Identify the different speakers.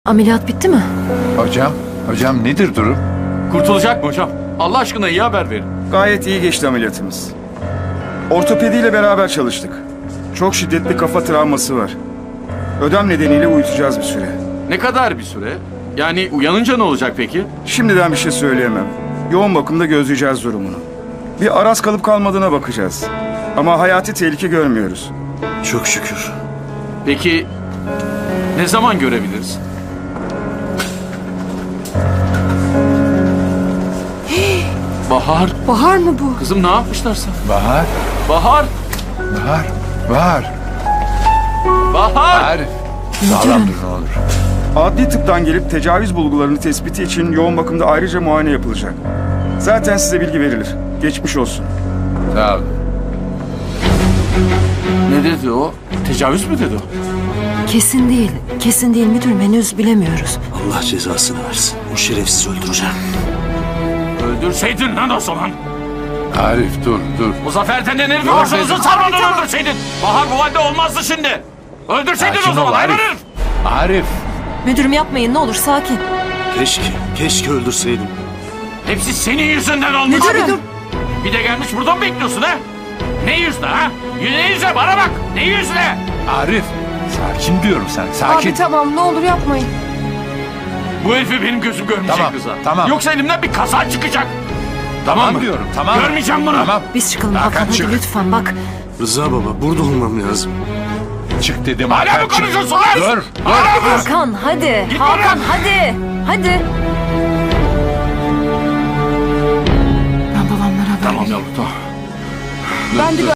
Speaker 1: Ameliyat bitti mi?
Speaker 2: Hocam nedir durum?
Speaker 3: Kurtulacak mı hocam? Allah aşkına iyi haber verin.
Speaker 4: Gayet iyi geçti ameliyatımız. Ortopediyle beraber çalıştık. Çok şiddetli kafa travması var. Ödem nedeniyle uyutacağız bir süre.
Speaker 3: Ne kadar bir süre? Yani uyanınca ne olacak peki?
Speaker 4: Şimdiden bir şey söyleyemem. Yoğun bakımda gözleyeceğiz durumunu. Bir araz kalıp kalmadığına bakacağız. Ama hayati tehlike görmüyoruz.
Speaker 5: Çok şükür.
Speaker 3: Peki ne zaman görebiliriz? Bahar.
Speaker 1: Bahar mı bu?
Speaker 3: Kızım ne yapmışlar sana?
Speaker 2: Bahar,
Speaker 3: Bahar.
Speaker 2: Bahar.
Speaker 3: Bahar.
Speaker 2: Arif. Sağlam dur ne olur.
Speaker 4: Adli tıptan gelip tecavüz bulgularını tespiti için yoğun bakımda ayrıca muayene yapılacak. Zaten size bilgi verilir. Geçmiş olsun.
Speaker 2: Sağ ol.
Speaker 3: Ne dedi o? Tecavüz mü dedi o?
Speaker 1: Kesin değil. Kesin değil müdürüm, henüz bilemiyoruz.
Speaker 5: Allah cezasını versin. O şerefsiz öldüreceğim.
Speaker 3: Öldürseydin lan o zaman.
Speaker 2: Arif dur.
Speaker 3: Muzaffer denen herifi başınızı sarmadan öldürseydin. Bahar bu halde olmazdı şimdi. Öldürseydin
Speaker 2: Sakin
Speaker 3: o zaman
Speaker 2: ol
Speaker 3: hayvan
Speaker 2: Arif.
Speaker 3: herif.
Speaker 2: Arif.
Speaker 1: Müdürüm yapmayın, ne olur sakin.
Speaker 5: Keşke öldürseydim.
Speaker 3: Hepsi senin yüzünden olmuş.
Speaker 1: Müdürüm.
Speaker 3: Bir de gelmiş buradan mı bekliyorsun ha? Ne yüzle ha? Ne yüzle bana bak. Ne yüzle?
Speaker 2: Arif. Sakin diyorum sen. Sakin.
Speaker 1: Abi tamam, ne olur yapmayın.
Speaker 3: Bu herifi benim gözüm görmeyecek
Speaker 2: Tamam,
Speaker 3: Rıza.
Speaker 2: tamam.
Speaker 3: Yoksa elimden bir kaza çıkacak. Tamam mı?
Speaker 2: diyorum. Tamam.
Speaker 3: Görmeyeceğim bunu.
Speaker 2: Tamam.
Speaker 1: Biz çıkalım
Speaker 2: Hakan,
Speaker 1: Hakan, hadi
Speaker 2: çık.
Speaker 1: lütfen bak.
Speaker 5: Rıza baba burada olmam lazım.
Speaker 2: Çık dedim.
Speaker 3: Hala
Speaker 2: Hakan,
Speaker 3: mı
Speaker 2: çık.
Speaker 3: konuşuyorsun lan?
Speaker 2: Dur.
Speaker 3: Hala mı?
Speaker 1: Hakan hadi.
Speaker 3: Git
Speaker 1: Hakan
Speaker 3: buradan.
Speaker 1: hadi. Hadi. Ben babamlara haber
Speaker 3: Tamam
Speaker 1: vereyim.
Speaker 3: yavrum tamam.
Speaker 1: Ben de